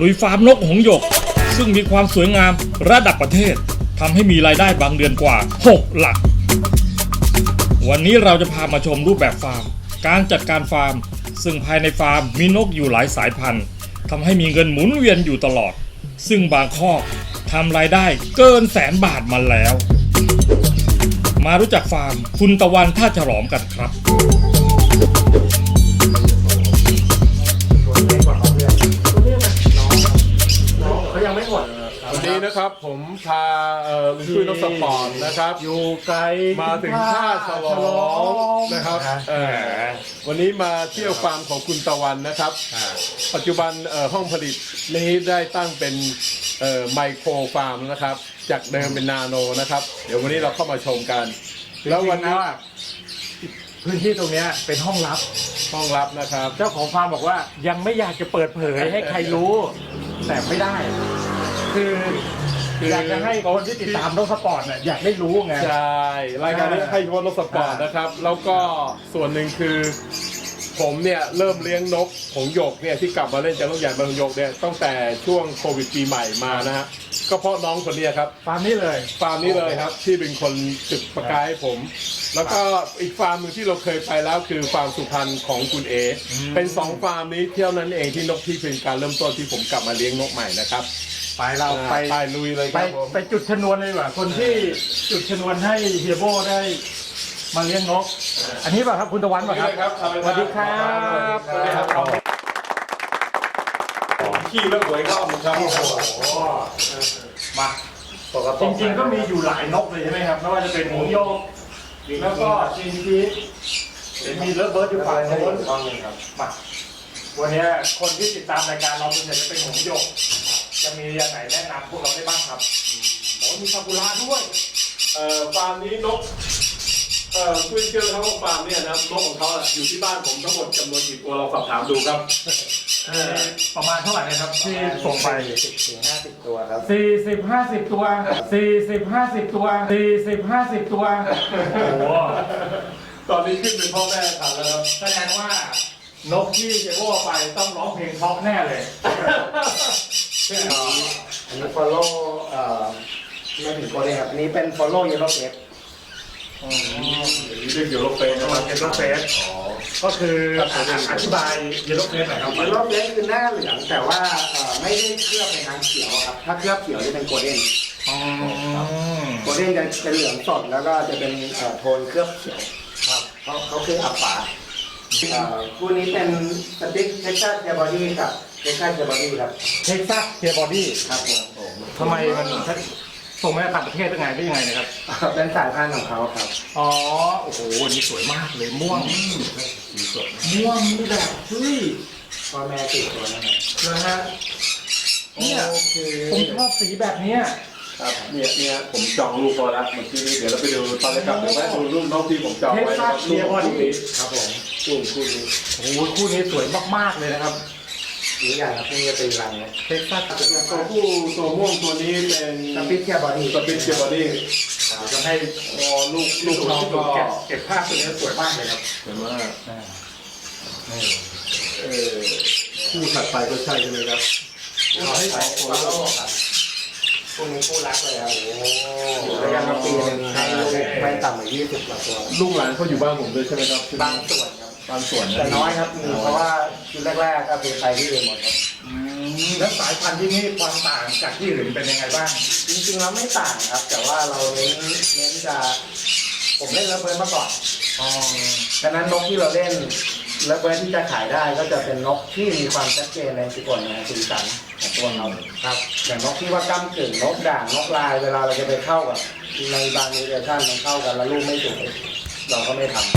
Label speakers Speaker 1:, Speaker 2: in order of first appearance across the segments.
Speaker 1: ลุยฟาร์มนกหงส์หยกซึ่งมีความสวยงามระดับประเทศทำให้มีรายได้บางเดือนกว่า6หลักวันนี้เราจะพามาชมรูปแบบฟาร์มการจัดการฟาร์มซึ่งภายในฟาร์มมีนกอยู่หลายสายพันธุ์ทำให้มีเงินหมุนเวียนอยู่ตลอดซึ่งบางคอกทำรายได้เกิน100,000 บาทมาแล้วมารู้จักฟาร์มคุณตะวันท่าฉลอมกันครับ
Speaker 2: เขายังไม่หมดวันนี้นะครับผมพาลุงตุ้ยนกสปอร์ตนะครับอยู่ไกลมาถึงท่าฉลอมนะครับวันนี้มาเที่ยวฟาร์มของคุณตะวันนะครับปัจจุบันห้องผลิตนี้ได้ตั้งเป็นไมโครฟาร์มนะครับจากเดิมเป็นนาโนนะครับเดี๋ยววันนี้เราเข้ามาชมกันแล้ววันนี้
Speaker 3: พื้นที่ตรงนี้เป็นห้องลับ
Speaker 2: นะครับ
Speaker 3: เจ้าของฟาร์มบอกว่ายังไม่อยากจะเปิดเผยให้ใครรู้แต่ไม่ได้คืออยากจะให้คนที่ติดตามนกสปอร์ตเนี่ยอยากได้รู้ไง
Speaker 2: ใช่รายการนี้ให้นกสปอร์ตนะครับแล้วก็ส่วนหนึ่งคือผมเนี่ยเริ่มเลี้ยงนกหงส์หยกเนี่ยที่กลับมาเล่นจากนกใหญ่บางหยกเนี่ยตั้งแต่ช่วงโควิดปีใหม่มานะฮะก็เพราะน้องคนนี้ครับ
Speaker 3: ฟาร์มนี้เลย
Speaker 2: ครับที่เป็นคนจุดประกายให้ผมแล้วก็อีกฟาร์มหนึ่งที่เราเคยไปแล้วคือฟาร์มสุพรรณของคุณเอเป็น2ฟาร์มนี้เที่ยวนั้นเองที่นกที่เป็นการเริ่มต้นที่ผมกลับมาเลี้ยงนกใหม่นะครับ
Speaker 3: ไป
Speaker 2: ลุยเลยครับ
Speaker 3: ไปจุดชนวนเลยว่ะคนที่จุดชนวนให้เฮียโบได้มาเลี้ยงนกอันนี้ป่ะครับคุณตะวันป่ะครับสวัสดีครับ
Speaker 2: ขี้เลิกหวยเข้าครับ
Speaker 3: มาจริงๆก็มีอยู่หลายนกเลยใช่ไหมครับไม่ว่าจะเป็นหงส์หยกแล้วก็จีนทีมีเลิฟเบิร์ดอยู่ฝั่งโน้นครับมาวันนี้คนที่ติดตามรายการเราส่วนใหญ่จะเป็นหงส์หยกจะมีอย่างไหนแนะนำพวกเราได้บ้างครับมีซากุระด้วย
Speaker 2: ฟาร์มนี้นกคุยเชื่อเขาว่าฟาร์มเนี่ยนะนกของเขาอยู่ที่บ้านผมทั้งหมดจำนวนกี่ตัวเราสอบถามดูครับ
Speaker 3: ประมาณเท่าไหร่นะครับที่ส่งไป
Speaker 4: 40-50 ตัวครับ
Speaker 3: 40-50 ตัว40-50 ตัว40-50 ตัวโอ้โห
Speaker 2: ตอนนี้ขึ้นเป็นพ่อแม่ขันแล้วครับ
Speaker 3: แสดงว่านกที่เจโบ้ไปต้องร้องเพลงเพราะแน่เลย
Speaker 4: อันนี้ follow ไม่ถึงตัวเลยครับอันนี้เป็น follow yellow face
Speaker 2: เรียกเยลโลเฟสนะครับ
Speaker 3: เยลโลเฟสก็คืออธิบายเยลโลเฟสหน่อยครับ
Speaker 4: เยลโลเฟสคือหน้าเหลืองแต่ว่าไม่ได้เคลือบในทางเขียวครับถ้าเคลือบเขียวจะเป็นโกลเด้นโกลเด้นจะเป็นเหลืองสดแล้วก็จะเป็นโทนเคลือบเขียวครับเขาคืออับฝาคู่นี้เป็นสติ๊กเท็กซัสเทียบอดี้กับเท็กซัสเทียบอดี้ครับ
Speaker 3: เท็กซัสเทียบอดี้
Speaker 4: ครับผม
Speaker 3: ทำไมมันส่งมาต่างประเทศได้ไงนะครับ
Speaker 4: เป็นสายพันธุ์ของเขาครับ
Speaker 3: อ๋อโอ้โหวันนี้สวยมากเลยม่วงม่วงนี่แบบเฮ้ย
Speaker 4: พ่อแม่ติดตัวนะครับ
Speaker 3: นะฮะเนี่ยผมชอบสีแบบนี้
Speaker 2: ครับเนี่ยผมจองรูปพอแล้วเมื่อกี้นี้เดี๋ยวเราไปดูตอนแรกครับเดี๋ยวไปดูรูปน้องที่ผมจองไว้
Speaker 3: นะครับรูปคู่นี้
Speaker 4: ครับผมคู่นี้
Speaker 3: โอ้โหคู่นี้สวยมากๆเลยนะครับ
Speaker 4: นี่อย่างครับนี่จะเป็นรังเนี่ย
Speaker 3: เท็กซัส
Speaker 2: ตัวม่วงตัวนี้เป็น
Speaker 4: สปิทเทียบอดี้
Speaker 3: จะให้ลูกน้องก็เก็บภาพตัวนี้สวยมากเลยครับ
Speaker 2: สวยมากคู่ถัดไปก็ใช่ไหมครับ
Speaker 4: เอาให้ของฟอลโล่ครับคู่นี้คู่รักเลยครับระยะมาปีนึงให้ลูกไม่ต่ำกว่า20 กว่าตัว
Speaker 2: ลูกหลานเขาอยู่บ้านผมด้วยใช่ไหมครับ
Speaker 4: บางส่วนครับ
Speaker 2: บางส่วน
Speaker 4: แต่น้อยครับเพราะว่าชุดแรกๆก็เป็นไปที่อื่นหมดครับ
Speaker 3: แล้วสายพันธุ์ที่นี่ความต่างจากที่อื่นเป็นยังไงบ้าง
Speaker 4: จริงๆแล้วไม่ต่างครับแต่ว่าเราเน้นจะผมเล่นเลิฟเบิร์ดมาก่อนดังนั้นนกที่เราเล่นเลิฟเบิร์ดที่จะขายได้ก็จะเป็นนกที่มีความชัดเจนในสีสันสีสันของตัวเราครับอย่างนกที่ว่าก้ำกึ่งนกด่างนกลายเวลาเราจะไปเข้ากับในบางนิเวชั่นมันเข้ากันแล้วลูกไม่สวยเราก็ไม่ทำ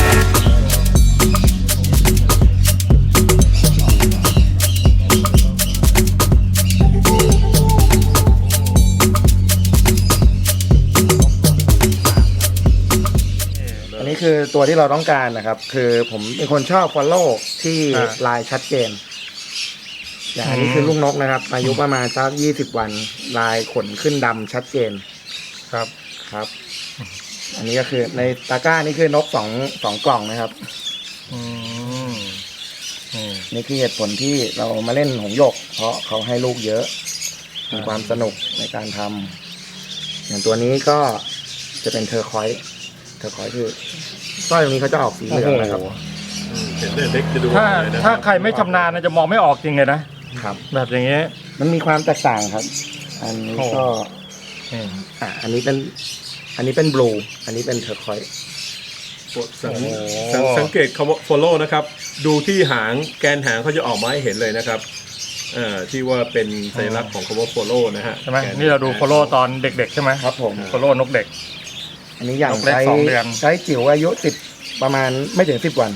Speaker 4: อันนี้คือตัวที่เราต้องการนะครับคือผมเป็นคนชอบ follow ที่ลายชัดเจนอย่างอันนี้คือลูกนกนะครับอายุประมาณสัก20 วันลายขนขึ้นดำชัดเจนครับ อันนี้ก็คือในตะกร้านี่คือนกสองกล่องนะครับนี่คือเหตุผลที่เรามาเล่นหงส์หยก เพราะเขาให้ลูกเยอะมีความสนุกในการทำอย่างตัวนี้ก็จะเป็นเทอร์คอยส์คือสร้อยตรงนี้เขาจะออกสีเหลืองนะครับ
Speaker 2: เห็นเด็กจะดู
Speaker 3: ถ้าใครไม่ชำนาญนะจะมองไม่ออกจริงเลยนะครับ แบบอย่างเงี้ย
Speaker 4: มันมีความแตกต่างครับ อันนี้ก็
Speaker 3: อืม
Speaker 4: อันนี้เป็นบลูอันนี้เป็นเทอร์คอยส์
Speaker 2: สังเกตคำว่า follow นะครับ ดูที่หางแกนหางเขาจะออกมาให้เห็นเลยนะครับที่ว่าเป็นสัญลักษณ์ของคำว่า follow นะฮะ
Speaker 3: ใช่ไหมนี่เราดูโฟโล่ตอนเด็กๆใช่ไหม
Speaker 4: ครับผม
Speaker 3: โฟโล่นกเด็ก
Speaker 4: อันนี้อย่าง
Speaker 3: นกเล็ก
Speaker 4: ใช้
Speaker 3: 2 เดือน
Speaker 4: ใช้จิ๋วอายุ10ประมาณไม่ถึง10 วัน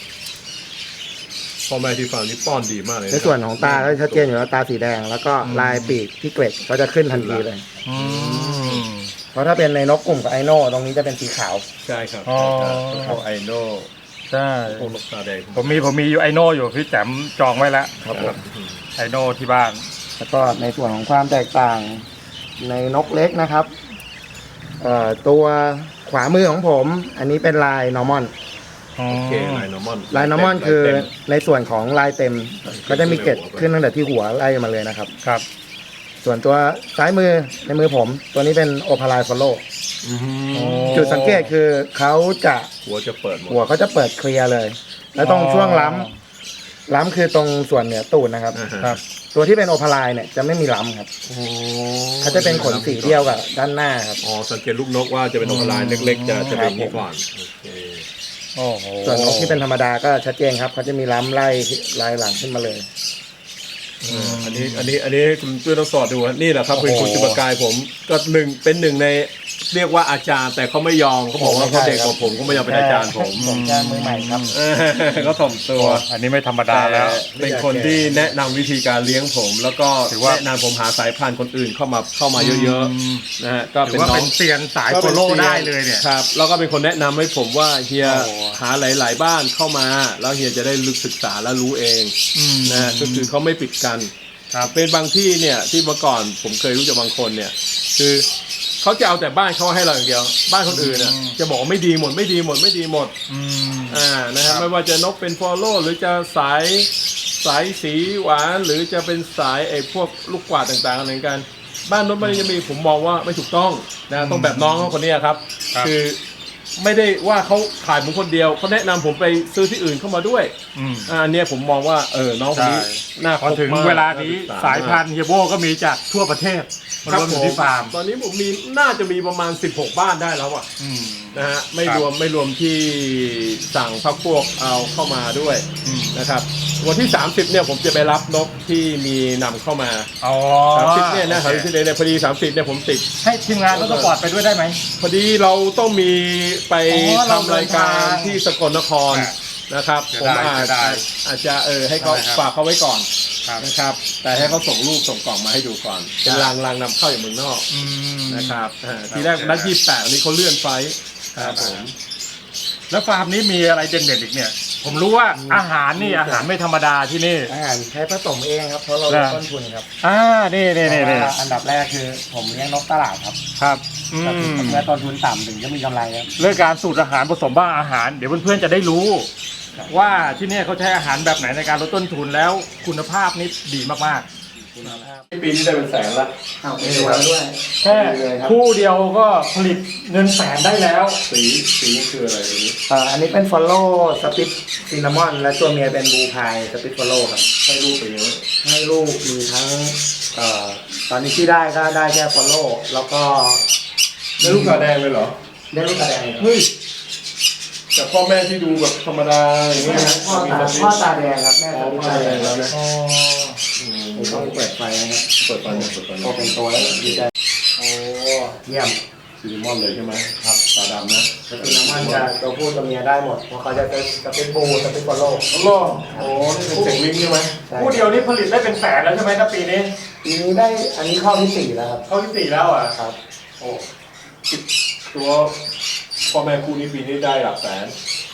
Speaker 2: พ่อแม่ที่ฟังนี่ป้อนดีมากเลย
Speaker 4: ในส่วนของตาก็ชัดเจนอยู่แล้วตาสีแดง แล้วก็ลายปีกที่เกล็ดก็จะขึ้นทันทีเลย
Speaker 3: อืม
Speaker 4: เพราะถ้าเป็นในนกกลุ่มกับไอโน่ตรงนี้จะเป็นสีขาว
Speaker 2: ใช่ครับ
Speaker 3: อ๋อ
Speaker 2: พวกไอโน่
Speaker 3: ใช่
Speaker 2: พวกนกตาแดง
Speaker 3: ผมมีอยู่ไอโน่อยู่พี่แจมจองไว้แล้ว
Speaker 4: ครับผม
Speaker 3: ไอโน่ที่บ้าน
Speaker 4: แล้วก็ในส่วนของความแตกต่างในนกเล็กนะครับตัวขวามือของผม อันนี้เป็นลายนอร์มอน
Speaker 2: โอเคลายนอร์มอน
Speaker 4: ลายนอร์มอนคือในส่วนของลายเต็ม ก็จะมีเกล็ดขึ้นตั้งแต่ที่หัวไล่มาเลยนะครับ
Speaker 3: ครับ
Speaker 4: ส่วนตัวซ้ายมือในมือผม ตัวนี้เป็นโอพาลายฟอลโล
Speaker 3: โอ้
Speaker 4: จุดสังเกตคือเขาจะ
Speaker 2: หัวจะเปิดหมด
Speaker 4: หัวเขาจะเปิดเคลียร์เลย แล้วตรงช่วงล้ำคือตรงส่วนเหนือตูดนะครับ
Speaker 3: ครับ
Speaker 4: ตัวที่เป็นโอพาลายเนี่ยจะไม่มีล้ำครับเขาจะเป็นขนสีเดียวกับด้านหน้าครับ
Speaker 2: อ๋อสังเกตลูกนกว่าจะเป็นนกลายเล็กๆจะเป็นอย่างนี้ก่อนโอเค
Speaker 3: โอ้โห
Speaker 4: ส่วนนกที่เป็นธรรมดาก็ชัดเจนครับเขาจะมีล้ำไล่ลายหลังขึ้นมาเลย
Speaker 2: อันนี้คุณช่วยต้องสอดดูฮะนี่แหละครับเป็นคุณจุบกายผมก็เป็นหนึ่งในเรียกว่าอาจารย์ แต่เขาไม่ยอมเขาบอกว่าเขาเด็กกว่าผมก็ไม่ยอมเป็นอาจารย์ผม
Speaker 4: ผมแค่มือใหม่ครับ
Speaker 2: เขาถ่อมตัว
Speaker 3: อันนี้ไม่ธรรมดา
Speaker 2: แต่
Speaker 3: แล้ว
Speaker 2: เป็นคนที่แนะนำวิธีการเลี้ยงผม แล้วก็
Speaker 3: ถือว่า
Speaker 2: แนะนำผมหาสายพันธุ์คนอื่นเข้ามาเยอะๆนะฮะก็
Speaker 3: ถื
Speaker 2: เป็
Speaker 3: อน ว่า
Speaker 2: น้อ
Speaker 3: เป็
Speaker 2: ง
Speaker 3: นเซียนสายโฟโล่ได้เลยเนี่ย
Speaker 2: ครับแล้วก็เป็นคนแนะนำให้ผมว่าเฮีย
Speaker 3: โอ้
Speaker 2: หาหลาย ๆ บ้านเข้ามา แล้วเฮียจะได้ลึกศึกษาและรู้เองนะฮะก็คือเขาไม่ปิดกัน
Speaker 3: ครับ
Speaker 2: เป็นบางที่เนี่ยที่เมื่อก่อนผมเคยรู้จักบางคนเนี่ย คือเขาจะเอาแต่บ้านเขาให้เราอย่างเดียว บ้านคนอื่นน่ะจะบอกว่าไม่ดีหมด
Speaker 3: อืม
Speaker 2: นะฮะไม่ว่าจะนกเป็นฟอลโล่หรือจะสายสีหวานหรือจะเป็นสายไอ้พวกลูกกวาดต่างๆอะไรกัน บ้านนกมันจะมีผมมองว่าไม่ถูกต้องนะต้องแบบน้องเขาคนนี้ครับ คือไม่ได้ว่าเขาขายผมคนเดียวเขาแนะนำผมไปซื้อที่อื่นเข้ามาด้วย อันเนี้ยผมมองว่าน้องคนนี้
Speaker 3: ใช่
Speaker 2: น่า
Speaker 3: พอถึง
Speaker 2: คบมก
Speaker 3: เวลานี้
Speaker 2: ศึกษ
Speaker 3: สายพันธุ์เฮียโบก็มีจากทั่วประเทศมารวมอยู่ที่ฟาร์ม
Speaker 2: ตอนนี้ผมมีน่าจะมีประมาณ16 บ้านได้แล้วอ่ะนะฮะไม่รวมที่สั่งพักพวกเอาเข้ามาด้วยนะครับวันที่ 30เนี่ยผมจะไปรับนกที่มีนำเข้ามา
Speaker 3: อ๋อ
Speaker 2: 30เนี่ยนะ30เนี่ยพอดี30เนี่ยผมติด
Speaker 3: ให้ทีมงานรถสปอร์ตไปด้วยได้ไหม
Speaker 2: พอดีเราต้องมีไป
Speaker 3: เรา
Speaker 2: ทำรายการ
Speaker 3: เดินทาง
Speaker 2: ที่สกลนคร
Speaker 3: อ่ะ
Speaker 2: นะครับ
Speaker 3: เสีย
Speaker 2: ผม
Speaker 3: ดายเสียดาย
Speaker 2: อาจจะให้เขา
Speaker 3: ได้ครับ
Speaker 2: ฝากเขาไว้ก่อน
Speaker 3: ครับ
Speaker 2: นะครับ แต่ให้เขาส่งรูปส่งกล่องมาให้ดูก่อน เป็นรางนำเข้าอย่างเมืองนอก นะครับทีแรกนัด28อันนี้เขาเลื่อนไฟล์ครับผม
Speaker 3: แล้วฟาร์มนี้มีอะไรเด่นๆอีกเนี่ย ผมรู้ว่าอาหารนี่อาหารไม่ธรรมดาที่นี่
Speaker 4: อาหารใช้ผสมเองครับ เพราะเราลดต้นทุนครับ
Speaker 3: นี่
Speaker 4: เพราะว่าอันดับแรกคือผมเลี้ยงนกตลาดครับ
Speaker 3: ครับ
Speaker 4: ก็คือเมื่อต้นทุนต่ำถึงจะมีกำไรครับ
Speaker 3: เรื่องการสูตรอาหารผสมบ้างอาหาร เดี๋ยวเพื่อนๆจะได้รู้ ว่าที่เนี่ยเขาใช้อาหารแบบไหนในการลดต้นทุนแล้วคุณภาพนี่ดีมาก
Speaker 2: ปีนี้ได้เป็นแสนละ
Speaker 4: มีตัวด้วย
Speaker 3: ๆ แค่คู่เดียวก็ผลิตเงินแสนได้แล้ว
Speaker 2: สีนี่คืออะไรอันนี้
Speaker 4: อันนี้เป็นฟอลโล่สปิตซินนามอนและตัวเมียเป็นบูพายสปิตฟอลโล่ครับ
Speaker 2: ให้รูปเป็นยังไง
Speaker 4: ให้ลูกมีทั้งตอนนี้ที่ได้ก็ได้แค่ฟอลโล่แล้วก็
Speaker 2: ได้ลูกตาแดงเลยเหรอ
Speaker 4: ได้ลูกกระแดงครับ
Speaker 2: เฮ้ยแต่พ่อแม่ที่ดูแบบธรรมดาอย่างเงี้ยนะ
Speaker 4: พ่อตาแดงครับแม่
Speaker 2: อ๋อ
Speaker 4: ตา
Speaker 2: พ่อตาแด
Speaker 4: แด
Speaker 2: ง
Speaker 4: ง
Speaker 2: แล้วนะ
Speaker 4: ผมต้องเปิดไฟนะครับ
Speaker 2: เปิดฟัน
Speaker 4: พอเป็นตัวแล้วดีใจโอ้เยี่ยม
Speaker 2: ซีนิมอนเลยใช่ไหมครับตาดำนะ
Speaker 4: สปิตซินนามอนจะตัวผู้ตัวเมียได้หมดเพราะเขาจะเป็นสปิตบูสปิตฟอลโล่
Speaker 2: โอ้นี่เป็นเสียงลิงใช่ไหม
Speaker 3: คู่เดียวนี้ผลิตได้เป็นแสนแล้วใช่ไหมถ้าปีนี้
Speaker 4: ปีนี้ได้อันนี้ข้อที่4แล้วครับ
Speaker 3: เข้าที่4แล้วอ่ะ
Speaker 4: ครับ
Speaker 2: โอ้ตัวพ่อแม่คู่นี้ปีนี้ได้หลักแสน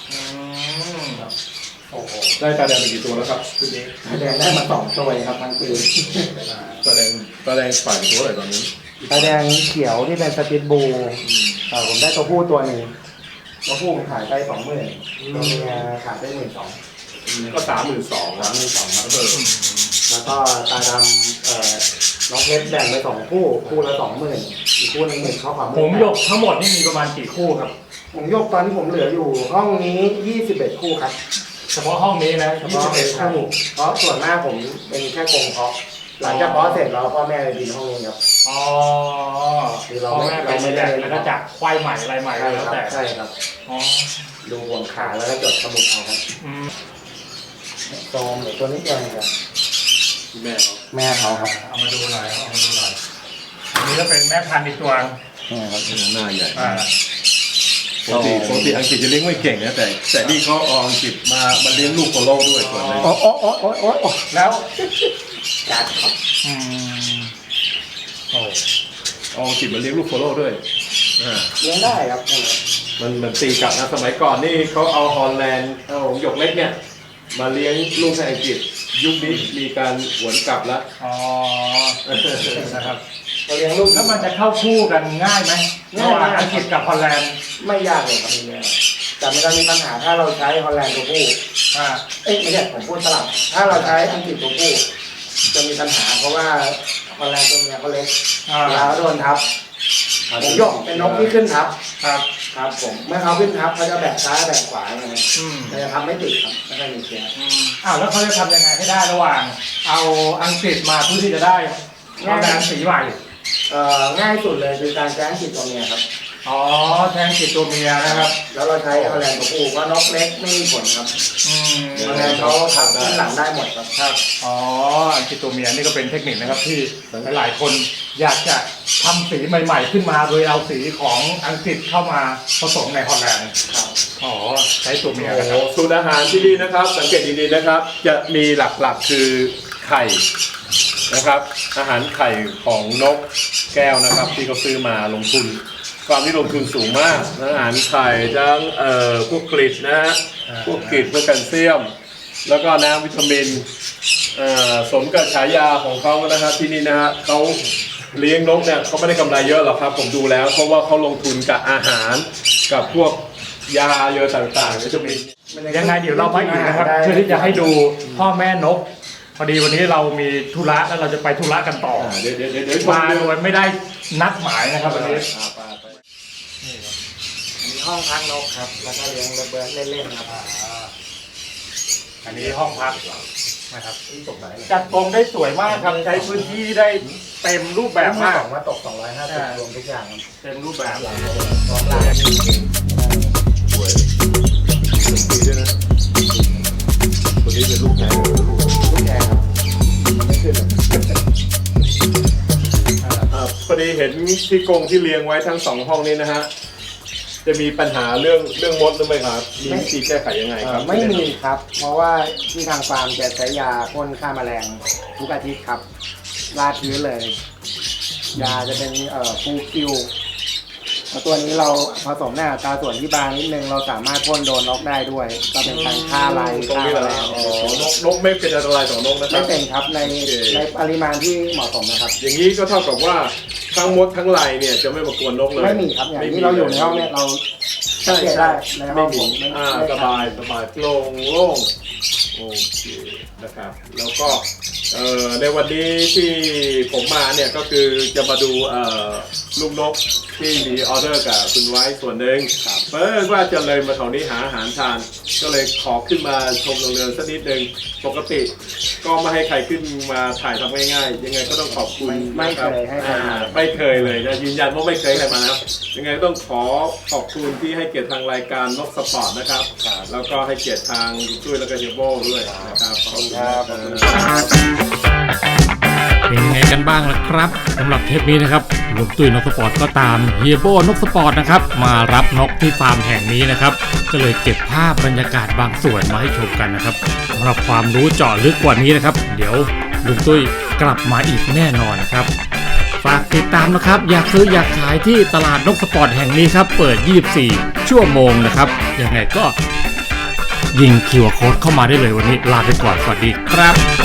Speaker 3: โอ้โห
Speaker 2: ได้ตาแดงไปกี่ตัวแล้วครับชุดนี้
Speaker 4: ตาแดงได้มา2ตัวเองครับทั้งปี
Speaker 2: ตาแดงฝ่ายตัวอะไรตอนนี้
Speaker 4: ตาแดงเขียวที่เป็นสปิตบูผมได้ตัวผู้ตัวหนึ่งตัวผู้ผมขายไป20,000ตัวเมียขายไป12,000
Speaker 2: ก็32,000
Speaker 4: ครับมี2ครับแล้วก็ตาดำน้องเพชรแบ่งไป2คู่ละ 20,000อีกคู่นึง10,000เข้าความ
Speaker 3: หงส์หยกทั้งหมดนี่มีประมาณกี่คู่ครับ
Speaker 4: หงส์หยกตอนที่ผมเหลืออยู่ห้องนี้21คู่ครับ
Speaker 3: เฉพาะห้องนี้นะ
Speaker 4: เฉพาะคู่เพราะส่วนมากผมเป็นแค่กรงเพาะหลังจากเพาะเสร็จเราพ่อแม่เลยบินห้องนี้ครับ
Speaker 3: อ๋อ
Speaker 4: คือเรา
Speaker 3: พ่อ
Speaker 4: ไม่
Speaker 3: แม่ไป
Speaker 4: เราไม่
Speaker 3: แย
Speaker 4: ได้
Speaker 3: กแล้วก็จับควายใหม่อะไรใหม่
Speaker 4: ใช่
Speaker 3: แล้ว
Speaker 4: ครับ
Speaker 3: แต่
Speaker 4: ใช่ครับ
Speaker 3: อ๋อ
Speaker 4: ดูบนขาแล้วก็จดสมุดเอาครับ
Speaker 3: อืม
Speaker 4: โซมหรือตัวนี้เองครับ
Speaker 2: แม่เขา
Speaker 4: แม่เขาครับ
Speaker 3: เอามาดูหน่อยเอามาดูหน่อยอันนี้ก็เป็นแม่พันธุ์อีกตัว
Speaker 4: นี่ครับ
Speaker 2: หน้าใหญ่
Speaker 3: อ่า
Speaker 2: ปกติอังกฤษจะเลี้ยงไม่เก่งนะแต่นี่เขาเอาอังกฤษมาเลี้ยงลูกโปโลด้วยส่วนหนึง
Speaker 4: โอ้
Speaker 3: แล้ว
Speaker 4: จัดครับ
Speaker 3: อืมโอ้
Speaker 2: เอาอังกฤษมาเลี้ยงลูกโปโลด้วยอ่า
Speaker 4: เลี้ยงได้ครับ
Speaker 2: มันตีกลับนะสมัยก่อนนี่เขาเอาฮอลแลนด์เอาหยกเล็กเนี่ยมาเลี้ยงลูกในอังกฤษยุคนี้มีการหวนกลับแล้ว
Speaker 3: อ๋อนะครับ
Speaker 4: เราเลี้ยงลูก
Speaker 3: แล้วมันจะเข้าคู่กันง่ายไหมระหว่างอังกฤษกับฮอลแลนด์
Speaker 4: ไม่ยากเลยครับนี่แต่มันจะมีปัญหาถ้าเราใช้ฮอลแลนด์ตัวผู้
Speaker 3: อ่า
Speaker 4: ไม่ใช่ผมพูดสลับถ้าเราใช้อังกฤษตัวผู้จะมีปัญหาเพราะว่าฮอลแลนด์ตัวเมียเขาเล็ก
Speaker 3: อ่า
Speaker 4: เวลาเขาโดนทับผมยกเป็นนกที่ขึ้นทับ
Speaker 3: ครับ
Speaker 4: ครับผมเมื่อเขาขึ้นทับเขาจะแบกซ้ายแบกขวาอย่างเงี้ย
Speaker 3: อืม
Speaker 4: มันจะทำไม่ติดครับไม่ได้มีเสีย
Speaker 3: อ้าวแล้วเขาจะทำยังไงให้ได้ระหว่าง เอาอังกฤษมาเพื่อที่จะได้ฮอลแลนด์สีใหม่
Speaker 4: ง่ายสุดเลยคือการใช้อังกฤษตัวเมียครับ
Speaker 3: อ๋อแทงอังกฤษตัวเมียนะครับ
Speaker 4: แล้วเราใช้ฮอลแลนด์ตัวผู้เพราะนกเล็กไม่มีผลครับ
Speaker 3: อืม
Speaker 4: ฮอลแลนด์เขาทำขึ้นหลังได้หมดครับ
Speaker 3: ครับอ๋ออังกฤษตัวเมียนี่ก็เป็นเทคนิคนะครับที่หลายๆคนอยากจะทำสีใหม่ๆขึ้นมาโดยเอาสีของอังกฤษเข้ามาผสมในฮอลแลนด์
Speaker 4: ครับ
Speaker 3: อ๋อใช้ตัวเมีย
Speaker 2: โอ้
Speaker 3: นะ
Speaker 2: โห
Speaker 3: ครับ
Speaker 2: สูตรอาหารที่นี่นะครับ สังเกตดีๆนะครับ จะมีหลักๆคือไข่นะครับ อาหารไข่ของนกแก้วนะครับ ที่เขาซื้อมาลงทุนความที่ลงทุนสูงมากนะอาหารไข่ทั้งพวกกริดนะฮะพวกกริดพวกแคลเซียม แล้วก็น้ำวิตามินสมกับฉายาของเขานะครับที่นี่นะฮะเขาเลี้ยงนกเนี่ยเขาไม่ได้กำไรเยอะหรอกครับผมดูแล้วเพราะว่าเขาลงทุนกับอาหารกับพวกยาเยอะต่างๆวิตามิน
Speaker 3: ยังไงเดี๋ยวเราไปอีกนะครับเพื่อที่จะให้ดูพ่อแม่นก พอดีวันนี้เรามีธุระแล้วเราจะไปธุระกันต่อ
Speaker 2: เดี๋ยว
Speaker 3: มาโดยไม่ได้นัดหมายนะครับวันนี้
Speaker 4: อันนี้ห้องพักนกครับ แล้วก็เลี้ยงระเบิดเล่นๆครับ
Speaker 3: อันนี้ห้องพักนะครับจัดตรงได้สวยมากครับใช้พื้นที่ได้เต็มรูปแบบมาก
Speaker 4: มาตก250รวมทุกอย่างครับ
Speaker 3: เต็มรูปแบบ
Speaker 4: พร้อมลาย
Speaker 2: สวยดีด้วยนะตัวนี้เป็นลูกแพ้
Speaker 4: ทุกแกครับไม่ขึ้น
Speaker 2: พอดีเห็นที่กรงที่เลี้ยงไว้ทั้งสองห้องนี้นะฮะจะมีปัญหาเรื่องมดหรือไม่ครับมีวิธีแก้ไขยังไงครับ
Speaker 4: ไม่มีครับ เพราะว่าที่ทางฟาร์มจะใช้ยาพ่นฆ่าแมลงทุกอาทิตย์ครับราดพื้นเลย ยาจะเป็นฟูคิวแล้วตัวนี้เราผสมในอัตราส่วนที่บางนิดนึงเราสามารถพ่นโดนนกได้ด้วย ก็เป็นการฆ่าลาย
Speaker 2: ตรง
Speaker 4: ฆ่า
Speaker 2: นี้
Speaker 4: แม
Speaker 2: แหละ
Speaker 4: ลง
Speaker 2: นกไม่เป็นอันตรายต่อนกนะครั
Speaker 4: ไม่
Speaker 2: บ
Speaker 4: เป็นครับในปริมาณที่เหมาะสมนะครับ
Speaker 2: อย่างนี้ก็เท่ากับว่าทั้งมดทั้งลายเนี่ยจะไม่มากวนนกเลย
Speaker 4: ไม่มีครับอย่างที่เราอยู่ในห้องเนี่ยเราสังเกตได้ในห้
Speaker 2: ไม่
Speaker 4: องผ
Speaker 2: มี
Speaker 4: มไม่
Speaker 2: สบายโล่งโล่งโอเคนะครับแล้วก็ในวันนี้ที่ผมมาเนี่ยก็คือจะมาดูลูกนกที่มีออเดอร์กับคุณไว้ส่วนหนึ่งเพิ่งว่าจะเลยมาแถวนี้หาอาหารทาน ก็เลยขอขึ้นมาชมโรงเรือนสักนิดนึงปกติก็ไม่ให้ใครขึ้นมาถ่ายทำง่ายๆยังไงก็ต้องขอบคุณ
Speaker 4: ไม่
Speaker 2: นะ
Speaker 4: เค
Speaker 2: รับ
Speaker 4: ยให้ใครมา
Speaker 2: ไม่เคยเลยนะยืนยันว่าไม่เคยให้ใครมานะครับยังไงต้องขอขอบคุณที่ให้เกียรติทางรายการนกสปอร์ตนะครับแล้วก็ให้เกียรติทางคุณตุ้ยแล้วก็เฮียโบด้วยนะครับขอบคุณครับ
Speaker 1: เป็นไงกันบ้างล่ะครับสำหรับเทปนี้นะครับลุงตุ้ยนกสปอร์ตก็ตามเฮียโบนกสปอร์ตนะครับมารับนกที่ฟาร์มแห่งนี้นะครับก็เลยเก็บภาพบรรยากาศบางส่วนมาให้ชมกันนะครับสำหรับความรู้เจาะลึกกว่านี้นะครับเดี๋ยวลุงตุ้ยกลับมาอีกแน่นอนนะครับฝากติดตามนะครับอยากซื้ออยากขายที่ตลาดนกสปอร์ตแห่งนี้ครับเปิด24ชั่วโมงนะครับยังไงก็ยิงQR Codeเข้ามาได้เลยวันนี้ลาไปก่อนสวัสดีครับ